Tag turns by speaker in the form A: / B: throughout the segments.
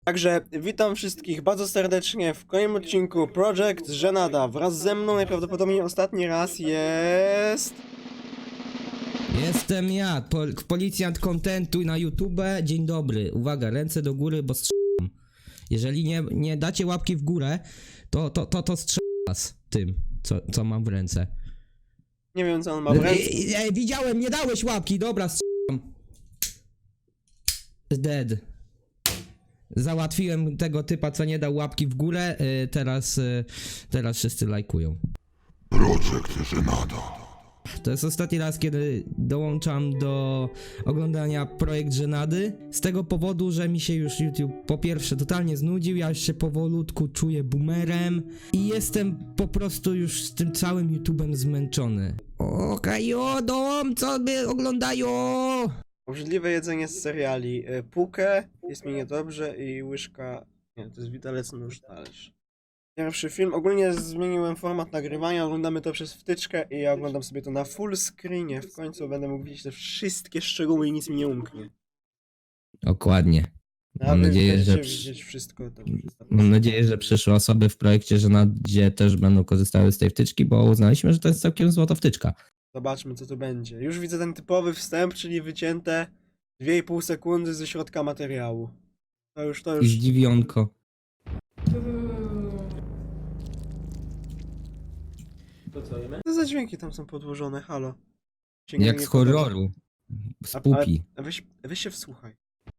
A: Także witam wszystkich bardzo serdecznie w kolejnym odcinku Project Żenada. Wraz ze mną najprawdopodobniej ostatni raz jest...
B: Jestem ja, policjant contentu na YouTube. Dzień dobry. Uwaga, ręce do góry, bo strzelam. Jeżeli nie dacie łapki w górę, to strzelam was tym, co mam w ręce.
A: Nie wiem, co on ma w ręce.
B: Widziałem, nie dałeś łapki, dobra, strzelam. Dead. Załatwiłem tego typa, co nie dał łapki w górę. Teraz wszyscy lajkują.
C: Project Żenada.
B: To jest ostatni raz, kiedy dołączam do oglądania Projekt Żenady. Z tego powodu, że mi się już YouTube po pierwsze totalnie znudził, ja już się powolutku czuję boomerem i jestem po prostu już z tym całym YouTubem zmęczony. O, dom, co my oglądają?
A: Obrzydliwe jedzenie z seriali. Pukę, jest mi niedobrze i łyżka... Nie, to jest widelec, nóż, talerz. Pierwszy film. Ogólnie zmieniłem format nagrywania, oglądamy to przez wtyczkę i ja oglądam sobie to na full screenie. W końcu będę mógł widzieć te wszystkie szczegóły i nic mi nie umknie.
B: Dokładnie. Mam nadzieję, że
A: widzieć wszystko.
B: Mam nadzieję, że przyszłe osoby w projekcie Żenadzie też będą korzystały z tej wtyczki, bo uznaliśmy, że to jest całkiem złota wtyczka.
A: Zobaczmy, co tu będzie. Już widzę ten typowy wstęp, czyli wycięte 2,5 sekundy ze środka materiału. To już...
B: Zdziwionko.
A: To co jemy? Co za dźwięki tam są podłożone, halo?
B: Jak z horroru. Z pupi.
A: Weź się wsłuchaj.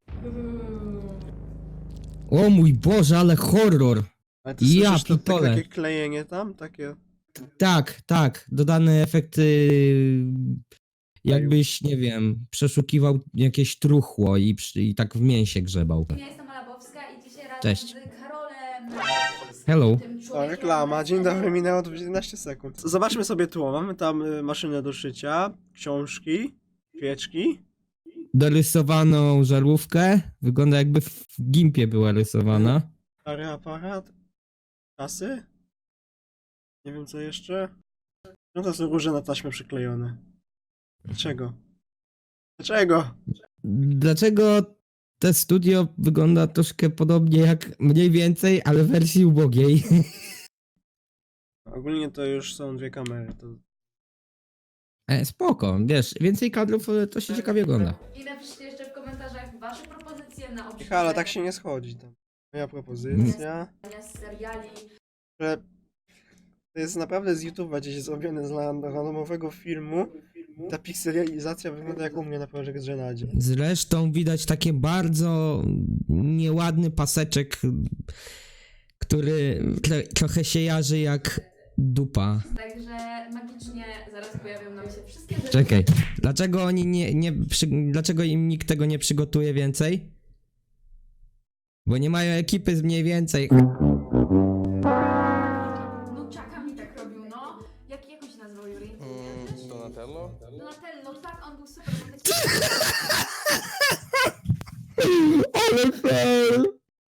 B: O mój Boże, ale horror!
A: Ale ty
B: Ja
A: słyszysz
B: pitole.
A: takie klejenie tam? Takie...
B: Tak, dodane efekty, jakbyś, nie wiem, przeszukiwał jakieś truchło i tak w mięsie grzebał.
D: Ja jestem Alabowska i dzisiaj razem
B: Cześć.
D: z Karolem...
B: Hello.
D: tym
A: O,
D: człowiekiem-
A: reklama. Dzień dobry, minęło 11 sekund. Zobaczmy sobie tło. Mamy tam maszynę do szycia, książki, świeczki.
B: Dorysowaną żarówkę, wygląda jakby w gimpie była rysowana.
A: Stary aparat. Kasy. Nie wiem co jeszcze. No to są róże na taśmę przyklejone. Dlaczego? Dlaczego?
B: Dlaczego te studio wygląda troszkę podobnie jak mniej więcej, ale w wersji ubogiej?
A: Ogólnie to już są dwie kamery. To...
B: Spoko, wiesz, więcej kadrów to się ciekawie ogląda.
D: I napiszcie jeszcze w komentarzach wasze propozycje na
A: Ale tak się nie schodzi tam. Moja propozycja.
D: z seriali.
A: Że to jest naprawdę z YouTube'a gdzieś zrobione z randomowego filmu. Ta pikselizacja wygląda jak u mnie na Project Żenadzie.
B: Zresztą widać takie bardzo nieładny paseczek, który trochę się jarzy jak dupa.
D: Także magicznie zaraz pojawią nam się wszystkie rzeczy.
B: Czekaj, dlaczego oni dlaczego im nikt tego nie przygotuje więcej? Bo nie mają ekipy z mniej więcej.
D: No Czaka mi tak robił, no. Jak się nazywał Juri?
C: Donatello?
D: Donatello, tak, on był super.
B: Ale fail!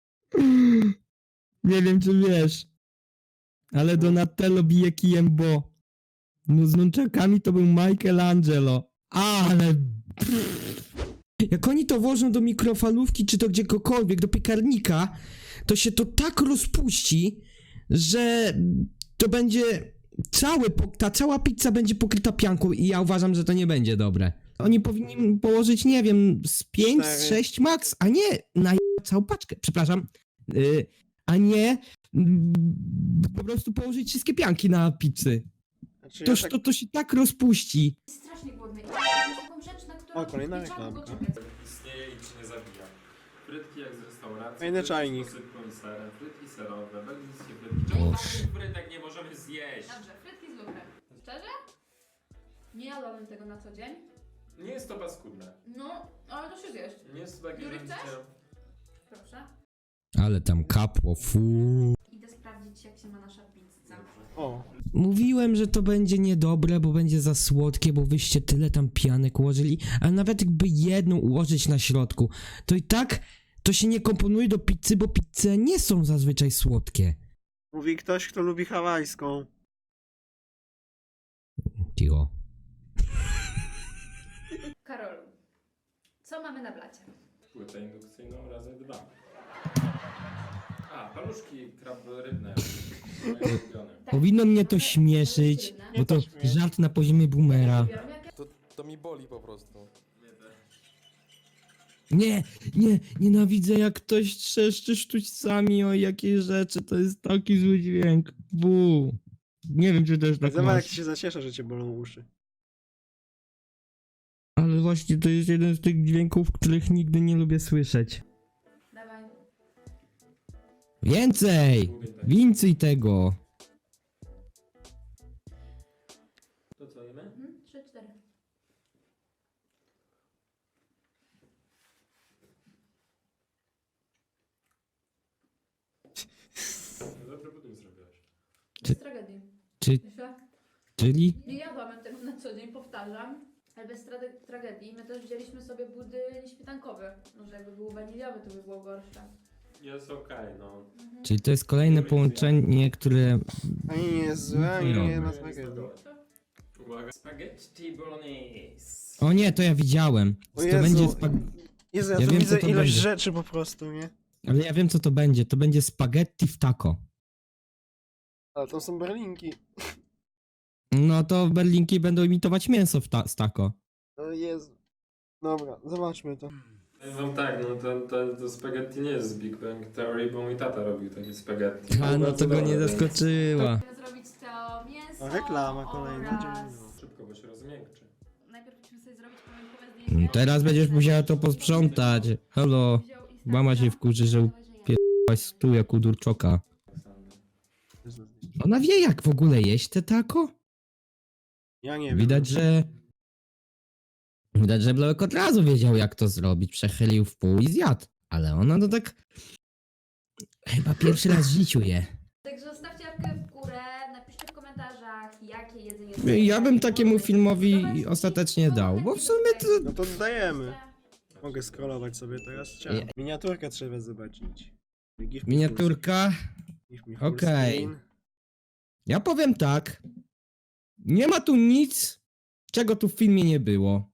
B: Nie wiem czy wiesz, ale Donatello bije kijem, bo no z nunczakami to był Michelangelo. Ale... Jak oni to włożą do mikrofalówki, czy to gdziekolwiek, do piekarnika, to się to tak rozpuści, że to będzie ta cała pizza będzie pokryta pianką i ja uważam, że to nie będzie dobre. Oni powinni położyć, nie wiem, z 5, z 6 max, a nie na całą paczkę, przepraszam, a nie po prostu położyć wszystkie pianki na pizzy.
A: Znaczy,
B: To się tak rozpuści.
D: Strasznie głodny. I to jest taką rzecz, na którą
A: O, kolejna
D: nie trzeba było
A: reklamka.
D: czekać.
E: Istnieje i ci nie zabija. Frytki jak z restauracji,
A: Fajny
E: frytki
A: czajnik.
E: z posypką i serem, frytki serowe, belgijskie frytki. Czemu takich frytek nie możemy zjeść?
D: Dobrze, frytki z lukrem. Szczerze? Nie jadłabym tego na co dzień.
E: Nie jest to paskudne.
D: No, ale to się zjeść.
E: Nie jest to takie,
D: Jury,
E: że
D: chcesz?
E: widzicie...
D: Proszę.
B: Ale tam kapło, fu.
D: Idę sprawdzić, jak się ma nasza pizza.
A: O,
B: Mówiłem, że to będzie niedobre, bo będzie za słodkie, bo wyście tyle tam pianek ułożyli, ale nawet jakby jedną ułożyć na środku, to i tak to się nie komponuje do pizzy, bo pizze nie są zazwyczaj słodkie.
A: mówi ktoś, kto lubi hawajską.
B: Cicho.
D: Karolu, co mamy na blacie?
E: Płytę indukcyjną razy 2. Paluszki krab rybne. Moje ulubione.
B: Powinno mnie to śmieszyć, bo to żart na poziomie boomera.
C: To mi boli po prostu.
B: Nie, nienawidzę jak ktoś trzeszczy sztućcami o jakieś rzeczy, to jest taki zły dźwięk. Bu. Nie wiem, czy też tak
A: Zobacz, jak
B: masz.
A: się zacieszę, że cię bolą uszy.
B: Ale właśnie to jest jeden z tych dźwięków, których nigdy nie lubię słyszeć.
D: Dawaj.
B: Więcej! Więcej tego!
E: To co jemy?
D: 3, 4.
E: No dobry budynek zrobiłaś.
D: Bez tragedii.
B: Czy,
D: Myślę,
B: czyli?
D: nie jadłam tego na co dzień, powtarzam. Ale bez tragedii. My też wzięliśmy sobie budy nieśmietankowe. Może jakby był waniliowy, to by było gorsze.
E: Jest okej, no.
B: Czyli to jest kolejne połączenie, które...
A: Ani nie jest złe, ani nie ma złego.
E: Uwaga. Spaghetti bolognese.
B: O nie, to ja widziałem.
A: O
B: To
A: Jezu.
B: będzie
A: Jezu, ja
B: Ja
A: tu
B: wiem,
A: widzę
B: co to
A: ilość
B: będzie.
A: rzeczy po prostu, nie?
B: Ale ja wiem, co to będzie. To będzie spaghetti w taco.
A: Ale to są berlinki.
B: No to berlinki będą imitować mięso z taco.
A: O Jezu. Dobra, zobaczmy to.
E: Powiem wam tak, no to spaghetti nie jest z Big Bang Theory, bo mój tata robił takie spaghetti.
B: A no
E: Bardzo
B: to go nie
E: dobre.
B: zaskoczyła.
D: Musimy zrobić to mięso.
A: O, reklama kolejna,
D: oraz...
A: dzień
E: Szybko, bo się rozmiękczy.
D: Najpierw musimy sobie zrobić pamiątkowe zdjęcie.
B: Teraz będziesz musiała to posprzątać. Halo. Mama się wkurzy, że upier***łaś stół jak u Durczoka.
A: Jezu.
B: Ona wie, jak w ogóle jeść te taco?
A: Ja nie wiem.
B: Widać, że Blek od razu wiedział, jak to zrobić. Przechylił w pół i zjadł. Ale ona to tak... Chyba pierwszy raz w życiu je.
D: Także zostawcie łapkę w górę, napiszcie w komentarzach, jakie jedzenie
B: Ja bym takiemu filmowi ostatecznie dał, bo w sumie to...
A: No to zdajemy. Mogę scrollować sobie teraz. Chciałem. Miniaturkę trzeba zobaczyć. Give me
B: Miniaturka.
A: full- give me full
B: Okej.
A: screen.
B: Ja powiem tak. Nie ma tu nic, czego tu w filmie nie było.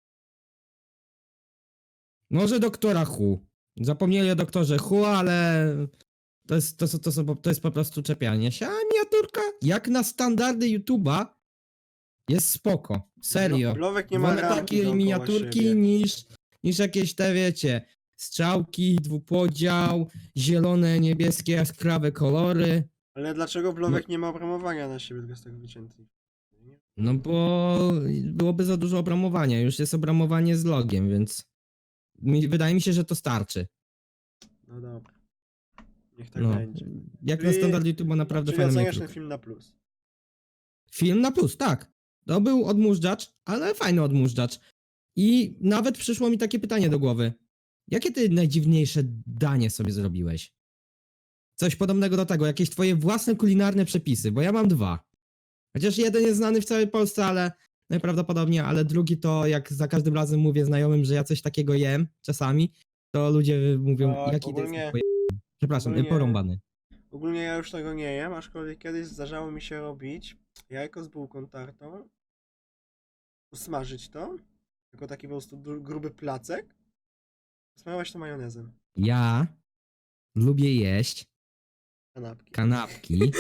B: Może doktora Hu. Zapomnieli o doktorze Hu, ale to jest po prostu czepianie się. A miniaturka, jak na standardy YouTube'a, jest spoko. Serio.
A: Blowek nie ma
B: Wolę
A: ramki
B: takie
A: dookoła
B: miniaturki
A: siebie.
B: niż jakieś te, wiecie, strzałki, dwupodział, zielone, niebieskie, jaskrawe kolory.
A: Ale dlaczego Blowek nie ma obramowania na siebie, tylko jest tak wycięty?
B: No bo byłoby za dużo obramowania. Już jest obramowanie z logiem, więc wydaje mi się, że to starczy.
A: No dobra. Niech tak
B: No.
A: będzie.
B: Jak na
A: Czyli-
B: standard YouTube'a naprawdę
A: Czyli
B: fajna
A: oceniasz
B: miniaturka.
A: ten film na plus.
B: Film na plus, tak. To był odmóżdżacz, ale fajny odmóżdżacz. I nawet przyszło mi takie pytanie do głowy. Jakie ty najdziwniejsze danie sobie zrobiłeś? Coś podobnego do tego, jakieś twoje własne kulinarne przepisy, bo ja mam 2. Chociaż jeden jest znany w całej Polsce, ale najprawdopodobniej, ale drugi to jak za każdym razem mówię znajomym, że ja coś takiego jem czasami, to ludzie mówią,
A: Tak,
B: jaki to
A: ogólnie-
B: jest Przepraszam,
A: ogólnie-
B: porąbany.
A: Ogólnie ja już tego nie jem, aczkolwiek kiedyś zdarzało mi się robić jajko z bułką tartą, usmażyć to, jako taki po prostu gruby placek, smarować to majonezem,
B: Ja lubię jeść
A: kanapki.
B: kanapki.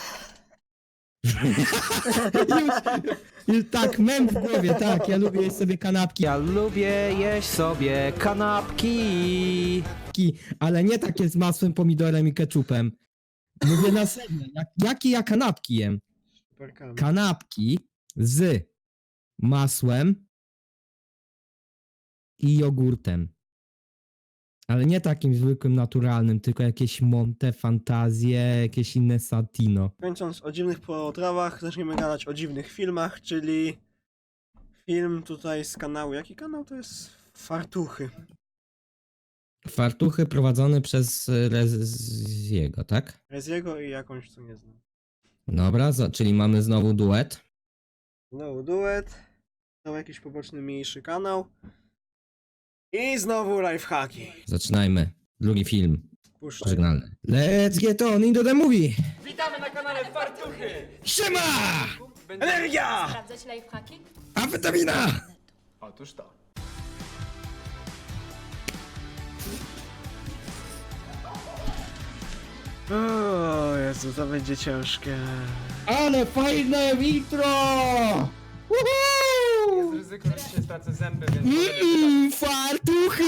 B: już, tak, mem w głowie, tak, ja lubię jeść sobie kanapki,
F: Ja lubię jeść sobie kanapki.
B: ale nie takie z masłem, pomidorem i ketchupem. Mówię na serio, jakie ja kanapki jem?
A: Superkami.
B: Kanapki z masłem i jogurtem. Ale nie takim zwykłym, naturalnym, tylko jakieś Monte, Fantazje, jakieś inne Satino.
A: Kończąc o dziwnych potrawach, zaczniemy gadać o dziwnych filmach, czyli film tutaj z kanału. Jaki kanał to jest? Fartuchy.
B: Fartuchy prowadzone przez Reziego, tak?
A: Reziego i jakąś, co nie znam.
B: Dobra, czyli mamy znowu duet.
A: Znowu duet. Znowu jakiś poboczny, mniejszy kanał. I znowu lifehacki.
B: Zaczynajmy. Drugi film
A: Puszczaj.
B: pożegnalny. Let's get on into the movie!
F: Witamy na kanale Fartuchy!
B: Siema!
A: Energia!
D: Sprawdzać lifehacki?
B: Amfetamina!
F: Otóż to.
A: O Jezu, to będzie ciężkie.
B: Ale fajne intro!
F: Jest ryzyko, że dzisiaj stracę zęby, więc...
B: Fartuchy!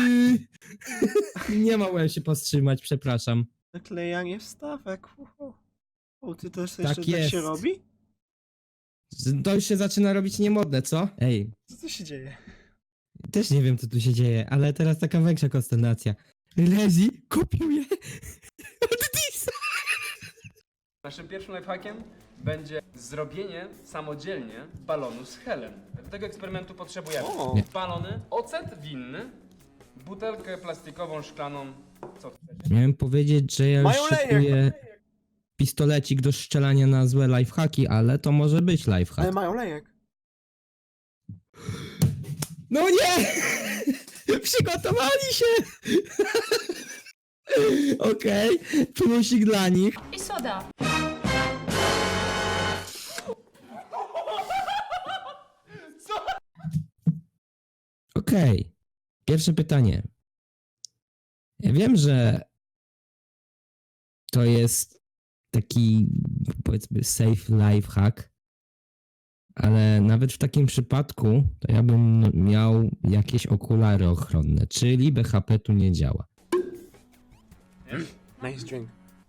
B: Nie mogłem się powstrzymać, przepraszam.
A: Naklejanie wstawek. O, ty to jeszcze
B: Tak
A: tak
B: jest.
A: się robi?
B: To już się zaczyna robić niemodne, co? Ej,
A: Co tu się dzieje?
B: też nie wiem, co tu się dzieje, ale teraz taka większa konsternacja. Lezi kopiuje od Disa.
F: Naszym pierwszym lifehackiem będzie zrobienie samodzielnie balonu z helem. Do tego eksperymentu potrzebujemy
A: O.
B: Nie.
F: balony, ocet winny, butelkę plastikową, szklaną, co chcecie.
B: Miałem powiedzieć, że ja już
A: Mają lejek.
B: szykuję pistolecik do strzelania na złe lifehacki, ale to może być lifehack.
A: Ale mają lejek.
B: No nie! Przygotowali się! Okej, plusik dla nich.
D: I soda.
B: Okej, pierwsze pytanie. Ja wiem, że to jest taki, powiedzmy, safe lifehack, ale nawet w takim przypadku to ja bym miał jakieś okulary ochronne, czyli BHP tu nie działa.
A: Nice drink.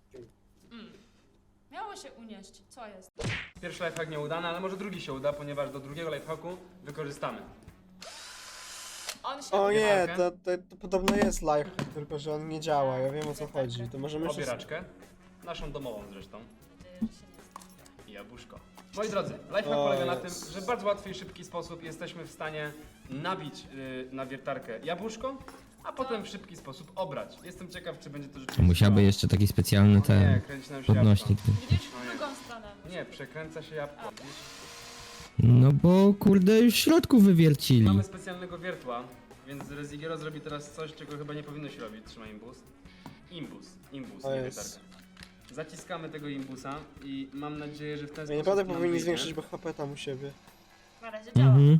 D: Miało się unieść. Co jest?
F: Pierwszy lifehack nieudany, ale może drugi się uda, ponieważ do drugiego lifehacku wykorzystamy
D: On się...
A: O nie,
F: Wietarkę.
A: to podobno jest lifehack, tylko że on nie działa. Ja wiem o co chodzi. To możemy się...
F: obieraczkę, naszą domową zresztą, i jabłuszko. Moi drodzy, lifehack
A: O
F: polega na tym,
A: Jezus.
F: że w bardzo łatwy i szybki sposób jesteśmy w stanie nabić na wiertarkę jabłuszko, a potem w szybki sposób obrać. Jestem ciekaw, czy będzie to rzeczywiście...
B: Musiałby jeszcze taki specjalny
F: Nie,
B: ten
F: kręci nam się
B: podnośnik.
D: Widzisz? W drugą stronę.
F: jabłko. Nie, przekręca się jabłko. Widzisz?
B: No bo kurde już w środku wywiercili.
F: Mamy specjalnego wiertła, więc Rezigiero zrobi teraz coś, czego chyba nie powinno się robić. Trzymaj imbus. Imbus,
A: O
F: nie
A: jest.
F: wiertarka. Zaciskamy tego imbusa i mam nadzieję, że w ten
A: Ja
F: sposób
A: naprawdę
F: nam
A: powinni
F: wyjdzie.
A: zwiększyć BHP tam u siebie.
D: Na razie działa.
B: Mhm.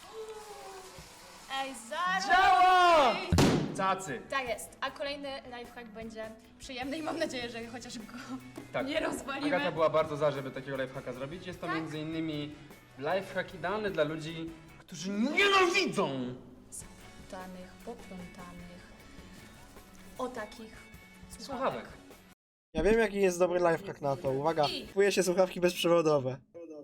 D: Ej, zaraz!
F: Działa! Cacy!
G: Tak jest, a kolejny lifehack będzie przyjemny i mam nadzieję, że chociaż go
F: Tak.
G: nie rozwalimy.
F: Agata była bardzo za, żeby takiego lifehacka zrobić. Jest to
G: Tak.
F: między innymi lifehack idealny dla ludzi, którzy nienawidzą
G: Danych, poplątanych, o takich
F: słuchawek.
A: Ja wiem jaki jest dobry lifehack na to. Uwaga, kupuje się słuchawki bezprzewodowe.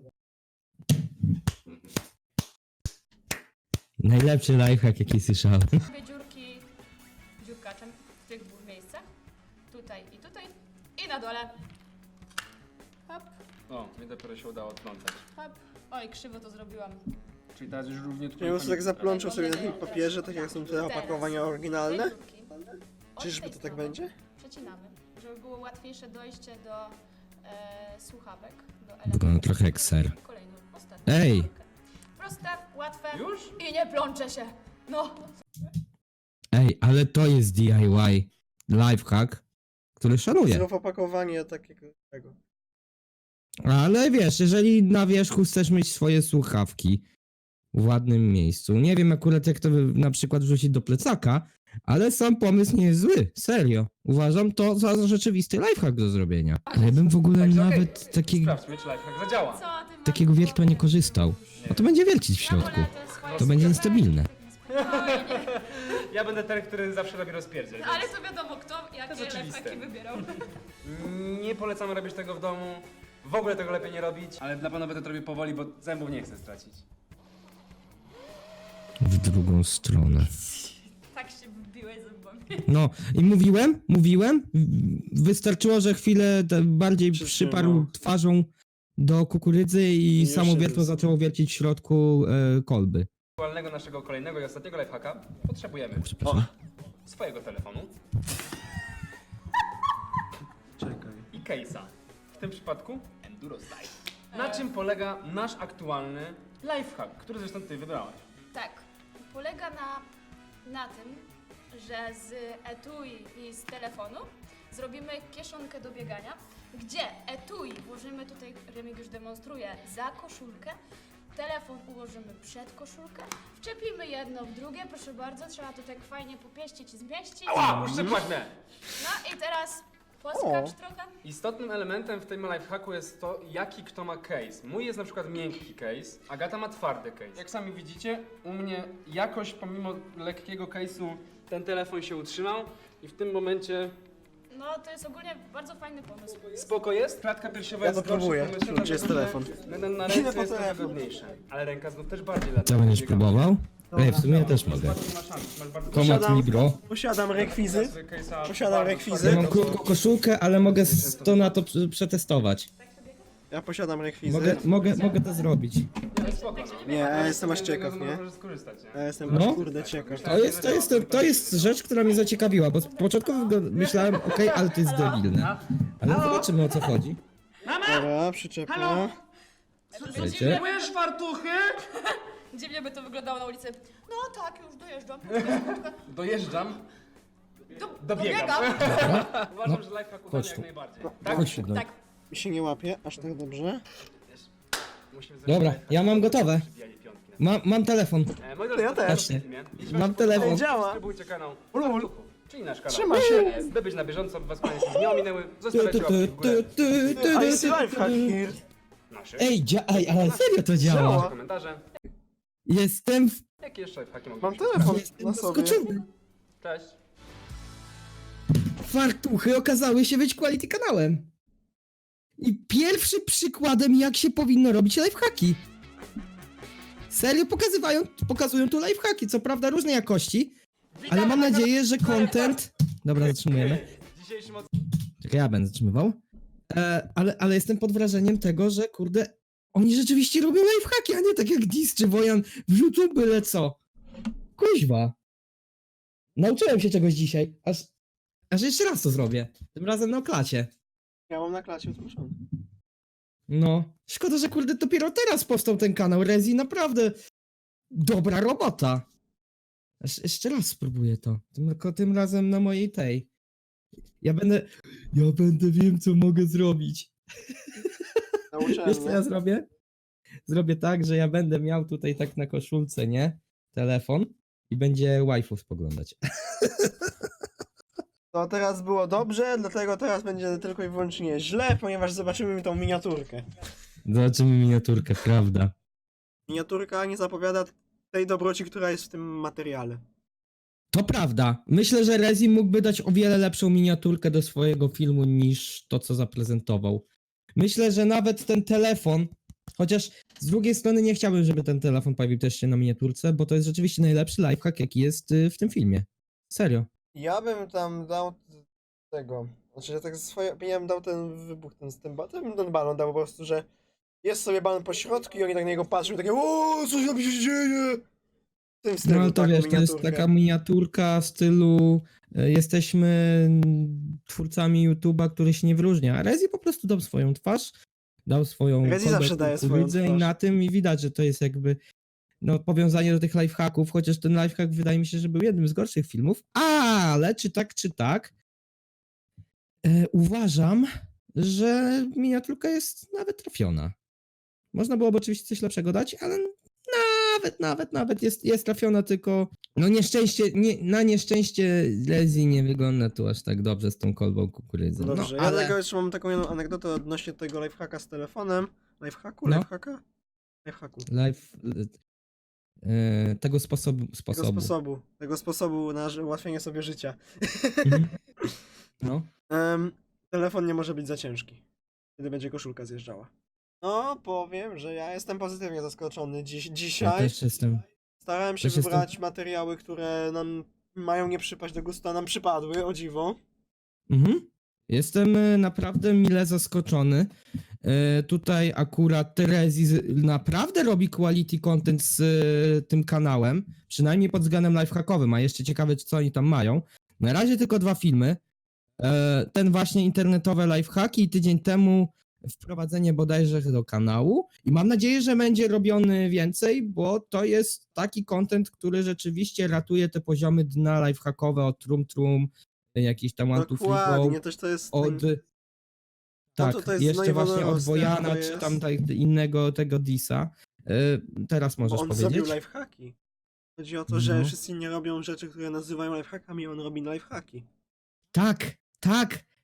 B: Najlepszy lifehack jaki słyszałem.
G: Dwie dziurki dziurkaczem w tych dwóch miejscach. Tutaj i na dole. Hop,
F: O, mi dopiero się udało odplątać.
G: hop. Oj, krzywo to zrobiłam.
F: Czyli teraz już równie
A: Ja po prostu tak zaplączał sobie na tym papierze, tak jak są te opakowania
G: Dwie
A: oryginalne.
G: dziurki. Od
A: Czyżby
G: tej
A: to tak
G: strony
A: będzie?
G: Przecinamy, żeby było łatwiejsze dojście do słuchawek, do
B: Wygląda
G: elementów.
B: trochę jak ser.
G: Kolejną, ostatnią
B: Ej!
G: dziurkę. Proste, łatwe
F: Już?
G: i nie plącze się. No.
B: Ej, ale to jest DIY lifehack, który szanuję.
A: Zrób opakowanie takiego tego.
B: Ale wiesz, jeżeli na wierzchu chcesz mieć swoje słuchawki w ładnym miejscu, nie wiem akurat jak to na przykład wrzucić do plecaka, ale sam pomysł nie jest zły, serio. Uważam to za rzeczywisty lifehack do zrobienia. Ale bym w ogóle
F: Także okej,
B: nawet
F: Sprawdźmy, czy lifehack zadziała.
G: Co ty masz
B: takiego
G: w
B: wiertła nie
G: głowie?
B: korzystał. A to będzie wiercić w
G: Ja
B: środku.
G: wolę te swoje
B: To będzie
G: słuchawki.
B: niestabilne.
G: Spokojnie.
F: Ja będę ten, który zawsze robi rozpierdziel.
G: Ale to wiadomo kto, jakie
F: oczywiste.
G: lifehacki wybierał.
F: Nie polecamy robić tego w domu. W ogóle tego lepiej nie robić. Ale dla pana będę to robił powoli, bo zębów nie chcę stracić.
B: W drugą stronę.
G: Tak się wbiłeś zębami.
B: No i mówiłem, wystarczyło, że chwilę bardziej
A: Przytrzymał.
B: przyparł twarzą do kukurydzy i
A: już
B: samo
A: się
B: wiertło
A: wysy-
B: zaczęło wiercić w środku kolby.
F: Aktualnego naszego kolejnego i ostatniego lifehacka potrzebujemy
B: Przepraszam.
F: swojego telefonu
A: Czekaj.
F: i case'a. W tym przypadku Enduro Style. Na czym polega nasz aktualny lifehack, który zresztą ty wybrałaś?
G: Tak, polega na tym, że z etui i z telefonu zrobimy kieszonkę do biegania, gdzie etui włożymy tutaj, Remig już demonstruje, za koszulkę, telefon ułożymy przed koszulkę, wczepimy jedno w drugie, proszę bardzo, trzeba to tak fajnie popieścić i zmieścić.
F: Ała! Uszczypłaś mnie!
G: No i teraz Płaskacz trochę.
F: Istotnym elementem w tym lifehacku jest to, jaki kto ma case. Mój jest na przykład miękki case, Agata ma twardy case. Jak sami widzicie, u mnie jakoś pomimo lekkiego case'u ten telefon się utrzymał i w tym momencie
G: No to jest ogólnie bardzo fajny pomysł.
F: spoko jest. Klatka piersiowa
A: Ja
F: jest
A: to próbuję.
F: gorsza,
A: Gdzie jest telefon?
F: Na
A: Idę
F: ręce
A: po
F: jest trochę
A: telefon.
F: wygodniejsze, ale ręka znów też bardziej lata.
B: Co, będziesz próbował? Ej, w sumie ja też mogę.
F: Bardzo nie ma szans, masz bardzo
B: Komat
A: Posiadam-
B: Libro.
A: Posiadam rekwizyt.
F: case'a
A: Posiadam
F: bardzo
A: rekwizyt.
F: twardego,
B: Ja mam krótką koszulkę, ale mogę to na to przetestować.
A: Ja posiadam rekwizyt.
B: Mogę to zrobić.
F: Ale spoko, no.
A: Nie, ja jestem aż ciekaw, nie?
F: Możesz skorzystać, nie?
A: Ja jestem
B: No.
A: aż kurde ciekaw.
B: To jest rzecz, która mnie zaciekawiła, bo początkowo myślałem, okej, ale to jest debilne. Ale zobaczymy, o co chodzi.
A: Dobra, przyczepia.
B: Wiecie?
F: Kupujesz fartuchy?
G: Dziwnie by to wyglądało na ulicy. No tak, już dojeżdżam.
F: Dojeżdżam. Dobiegam. Uważam, że lifehack udany
B: Chodź
F: jak
B: tu.
F: najbardziej.
B: Chodź, no.
G: Tak.
A: Mi się nie łapie, aż tak dobrze.
F: Musimy zrobić
B: Dobra,
F: lifehack,
B: ja mam
F: żeby
B: gotowe.
F: przybijali piątki.
B: Mam telefon.
F: Moi drodzy,
A: Ja
F: to
A: też.
B: Patrzcie.
F: Idźmy
B: Mam
F: po-
B: telefon.
A: Ej, działa.
F: Subskrybujcie kanał
A: Lul.
F: Fartuchów, czyli nasz kanał.
A: Trzyma się.
F: By być na bieżąco, by was pamięci nie ominęły, zostawiacie łapki w górę.
A: A jest lifehack here.
F: Nasze.
B: Ej, ale serio to działa.
A: Działa.
F: Komentarze.
B: Jestem
F: Jakie jeszcze lifehacki mogą
A: Mam
F: być?
A: telefon na sobie.
B: zaskoczony.
F: Cześć.
B: Fartuchy okazały się być quality kanałem. I pierwszy przykładem, jak się powinno robić lifehacki. Serio pokazują tu lifehacki, co prawda różnej jakości, ale mam nadzieję, że content... Dobra, zatrzymujemy.
F: Dzisiejszym
B: Czekaj, ja będę zatrzymywał. Ale jestem pod wrażeniem tego, że kurde, oni rzeczywiście robią lifehacki, a nie tak jak Dis czy Wojan wrzucą byle co. Kuźwa. Nauczyłem się czegoś dzisiaj, aż jeszcze raz to zrobię. Tym razem na klacie.
A: Ja mam na klacie odpuszczony.
B: No, szkoda, że kurde dopiero teraz powstał ten kanał. Rezi, naprawdę dobra robota. Jeszcze raz spróbuję to. Tylko tym razem na mojej tej. Ja będę wiem, co mogę zrobić.
A: Nauczyłem
B: Wiesz, co ja
A: mnie.
B: zrobię? Zrobię tak, że ja będę miał tutaj tak na koszulce, nie? Telefon i będzie waifu spoglądać.
A: To teraz było dobrze, dlatego teraz będzie tylko i wyłącznie źle, ponieważ zobaczymy tą miniaturkę.
B: Zobaczymy miniaturkę, prawda?
A: Miniaturka nie zapowiada tej dobroci, która jest w tym materiale.
B: To prawda. Myślę, że Rezi mógłby dać o wiele lepszą miniaturkę do swojego filmu niż to, co zaprezentował. Myślę, że nawet ten telefon, chociaż z drugiej strony nie chciałbym, żeby ten telefon pojawił też się na miniaturce, bo to jest rzeczywiście najlepszy lifehack, jaki jest w tym filmie. Serio.
A: Ja bym tam dał tego. Znaczy, ja tak swoje. Ja bym dał ten wybuch, ten balon dał po prostu, że jest sobie balon po środku i oni tak na niego patrzą i takie o, co tam się dzieje? W tym stylu,
B: No ale to
A: taką
B: wiesz, to jest
A: miniaturkę.
B: taka miniaturka w stylu jesteśmy twórcami YouTube'a, który się nie wyróżnia. A Rezi po prostu dał swoją twarz, dał swoją
A: Rezi zawsze
B: kolbę
A: daje swoją
B: kukurydzy i
A: twarz.
B: na tym i widać, że to jest jakby no, powiązanie do tych lifehacków, chociaż ten lifehack wydaje mi się, że był jednym z gorszych filmów, ale czy tak, uważam, że miniaturka jest nawet trafiona. Można byłoby oczywiście coś lepszego dać, ale nawet jest trafiona, tylko no na nieszczęście Rezi nie wygląda tu aż tak dobrze z tą kolbą kukurydzy.
A: Dobrze,
B: No,
A: ja
B: ale...
A: tylko jeszcze mam taką jedną anegdotę odnośnie tego lifehacka z telefonem. Lifehacku?
B: No.
A: Lifehacka? Lifehacku.
B: Tego sposobu.
A: Tego sposobu na ułatwienie sobie życia.
B: Mhm. No.
A: Telefon nie może być za ciężki, kiedy będzie koszulka zjeżdżała. No, powiem, że ja jestem pozytywnie zaskoczony
B: Ja
A: dzisiaj.
B: też jestem.
A: Starałem się
B: też jestem-
A: wybrać materiały, które nam mają nie przypaść do gustu, a nam przypadły, o dziwo.
B: Mhm. Jestem naprawdę mile zaskoczony. Tutaj akurat Rezi naprawdę robi quality content z tym kanałem, przynajmniej pod względem lifehackowym, a jeszcze ciekawe, co oni tam mają. Na razie tylko 2 filmy. Ten właśnie internetowe lifehacki i tydzień temu wprowadzenie bodajże do kanału i mam nadzieję, że będzie robiony więcej, bo to jest taki content, który rzeczywiście ratuje te poziomy dna lifehackowe od Trum, jakiś tam one to free
A: Dokładnie,
B: go,
A: też to jest...
B: od...
A: No
B: Tak,
A: to jest
B: jeszcze
A: Noiwona
B: właśnie od
A: Roster,
B: Wojana,
A: to
B: czy
A: jest-
B: tam innego tego Disa. Teraz możesz
A: on
B: powiedzieć?
A: zrobił lifehacki. Chodzi o to, że
B: No.
A: wszyscy nie robią rzeczy, które nazywają lifehackami, on robi lifehacki.
B: Tak,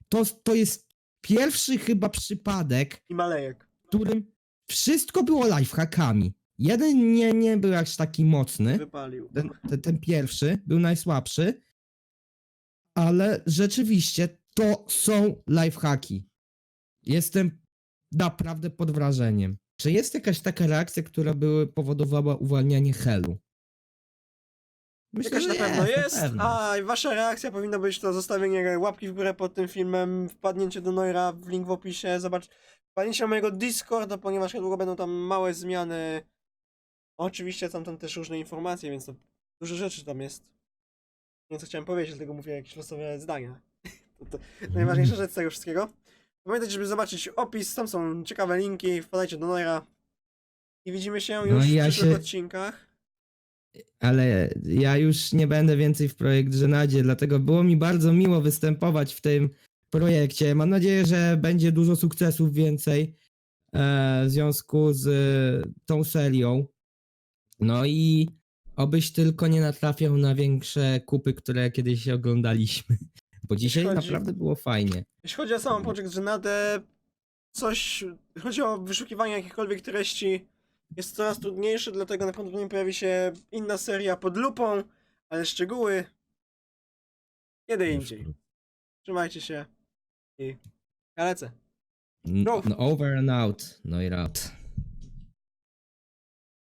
B: to jest pierwszy chyba przypadek,
A: I Malejek.
B: w którym wszystko było lifehackami. Jeden nie był aż taki mocny,
A: Wypalił.
B: ten pierwszy był najsłabszy, ale rzeczywiście to są lifehacki. Jestem naprawdę pod wrażeniem. Czy jest jakaś taka reakcja, która by powodowała uwalnianie Helu? Myślę,
A: Jakaś
B: że
A: na pewno jest,
B: na pewno.
A: a i wasza reakcja powinna być to zostawienie łapki w górę pod tym filmem, wpadnięcie do Noira, w link w opisie, wpadnięcie na mojego Discorda, ponieważ niedługo będą tam małe zmiany. Oczywiście tam też różne informacje, więc to dużo rzeczy tam jest. Nie wiem co chciałem powiedzieć, dlatego mówię jakieś losowe zdania. To najważniejsza rzecz z tego wszystkiego. Pamiętajcie, żeby zobaczyć opis, tam są ciekawe linki, wpadajcie do Noira. I widzimy się
B: No
A: już
B: i
A: w
B: ja
A: przyszłych
B: się-
A: odcinkach.
B: Ale ja już nie będę więcej w projekt Żenadzie, dlatego było mi bardzo miło występować w tym projekcie. Mam nadzieję, że będzie dużo sukcesów więcej w związku z tą serią. No i obyś tylko nie natrafiał na większe kupy, które kiedyś oglądaliśmy. Bo dzisiaj
A: chodzi-
B: naprawdę było fajnie.
A: Jeśli chodzi o samą Project Żenadę, chodzi o wyszukiwanie jakichkolwiek treści, jest coraz trudniejsze, dlatego najprawdopodobniej pojawi się inna seria pod lupą, ale szczegóły kiedy indziej. Trzymajcie się i ja lecę.
B: No over and out. No i out.